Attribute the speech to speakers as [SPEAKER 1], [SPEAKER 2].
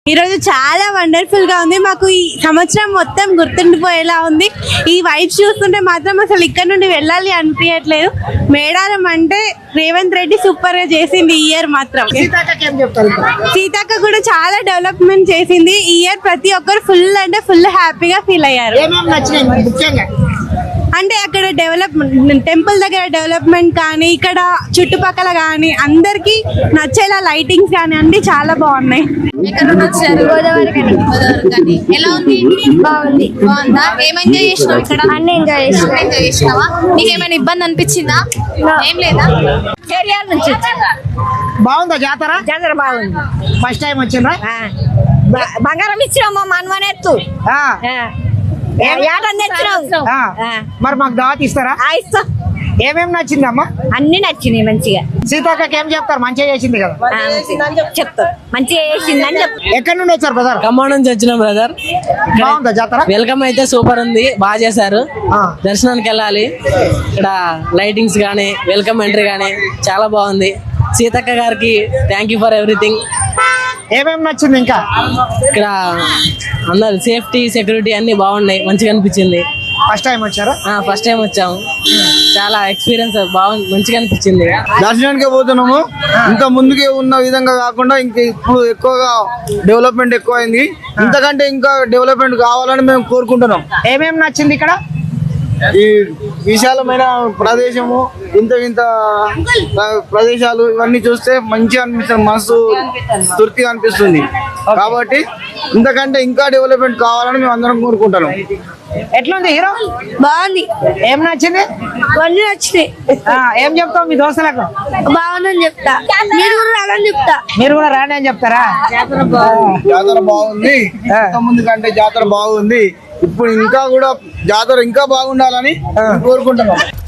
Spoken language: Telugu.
[SPEAKER 1] ఈ రోజు చాలా వండర్ఫుల్ గా ఉంది. మాకు ఈ సంవత్సరం మొత్తం గుర్తుండిపోయేలా ఉంది. ఈ వైబ్స్ చూస్తుంటే మాత్రం అసలు ఇక్కడ నుండి వెళ్ళాలి అనిపించట్లేదు. మేడారం అంటే రేవంత్ రెడ్డి సూపర్ గా చేసింది ఈ ఇయర్ మాత్రం. సీతక్క కూడా చాలా డెవలప్మెంట్ చేసింది ఈ ఇయర్. ప్రతి ఒక్కరు ఫుల్ అంటే ఫుల్ హ్యాపీగా ఫీల్ అయ్యారు. అంటే అక్కడ డెవలప్మెంట్, టెంపుల్ దగ్గర డెవలప్మెంట్ కానీ, ఇక్కడ చుట్టుపక్కల కానీ అందరికి నచ్చేలా లైటింగ్స్ కానీ అన్ని చాలా బాగున్నాయి.
[SPEAKER 2] గోదావరి కానీ ఎలా ఉంది? బాగుంది. బాగుందా? ఏం ఎంజాయ్ చేసినావు ఇక్కడ? అన్ని ఎంజాయ్ చేసినావా? నీకేమైనా ఇబ్బంది అనిపించిందా? ఏం లేదా? చేరియాల నుంచి
[SPEAKER 3] బాగుందా జాతర?
[SPEAKER 2] జాతర బాగుంది.
[SPEAKER 3] ఫస్ట్ టైం వచ్చిందా?
[SPEAKER 2] బంగారం ఇచ్చినామా మనవనెత్తు
[SPEAKER 3] మరి మాకు దావత్ ఇస్తారా?
[SPEAKER 2] ఇస్తాం.
[SPEAKER 3] ఏమేమి నచ్చింది అమ్మా?
[SPEAKER 2] అన్ని నచ్చినాయి మంచిగా.
[SPEAKER 3] సీతక్కకి ఏం చెప్తారు? మంచిగా చేసింది కదా
[SPEAKER 2] చెప్తారు. మంచిగా చేసిందని చెప్తారు.
[SPEAKER 3] ఎక్కడి నుండి వచ్చారు బ్రదర్?
[SPEAKER 4] ఖమ్మం నుంచి వచ్చినాం బ్రదర్.
[SPEAKER 3] బాగుందా జాతర?
[SPEAKER 4] వెల్కమ్ అయితే సూపర్ ఉంది, బాగా చేశారు. దర్శనానికి వెళ్ళాలి. ఇక్కడ లైటింగ్స్ గానీ, వెల్కమ్ ఎంట్రీ గానీ చాలా బాగుంది. సీతక్క గారికి థ్యాంక్ యూ ఫర్ ఎవ్రీథింగ్.
[SPEAKER 3] ఏమేమి నచ్చింది? ఇంకా
[SPEAKER 4] ఇక్కడ అందరు సేఫ్టీ, సెక్యూరిటీ అన్ని బాగున్నాయి, మంచిగా అనిపించింది.
[SPEAKER 3] ఫస్ట్ టైం వచ్చారా?
[SPEAKER 4] ఫస్ట్ టైం వచ్చాము. చాలా ఎక్స్పీరియన్స్ బాగుంది, మంచిగా అనిపించింది.
[SPEAKER 5] దర్శనానికి పోతున్నాము. ఇంకా ముందుకే ఉన్న విధంగా కాకుండా ఇంకా ఇప్పుడు ఎక్కువగా డెవలప్మెంట్ ఎక్కువైంది. ఇంతకంటే ఇంకా డెవలప్మెంట్ కావాలని మేము కోరుకుంటున్నాం.
[SPEAKER 3] ఏమేమి నచ్చింది ఇక్కడ?
[SPEAKER 5] ఈ విశాలమైన ప్రదేశము, ఇంత ప్రదేశాలు ఇవన్నీ చూస్తే మంచిగా అనిపిస్తుంది, మనసు తృప్తిగా అనిపిస్తుంది. కాబట్టి ఇంతకంటే ఇంకా డెవలప్మెంట్ కావాలని మేము అందరం కోరుకుంటున్నాం.
[SPEAKER 3] ఎట్లుంది హీరో?
[SPEAKER 1] బాగుంది.
[SPEAKER 3] ఏం నచ్చింది?
[SPEAKER 1] అన్ని నచ్చినాయి.
[SPEAKER 3] ఏం చెప్తావు మీ దోస్తులకు?
[SPEAKER 1] బాగుందని చెప్తా. మీరు కూడా రాదని చెప్తా.
[SPEAKER 3] మీరు కూడా రాని అని చెప్తారా?
[SPEAKER 5] జాతర బాగుంది, ముందు కంటే జాతర బాగుంది. ఇప్పుడు ఇంకా కూడా జాతర ఇంకా బాగుండాలని కోరుకుంటున్నాం.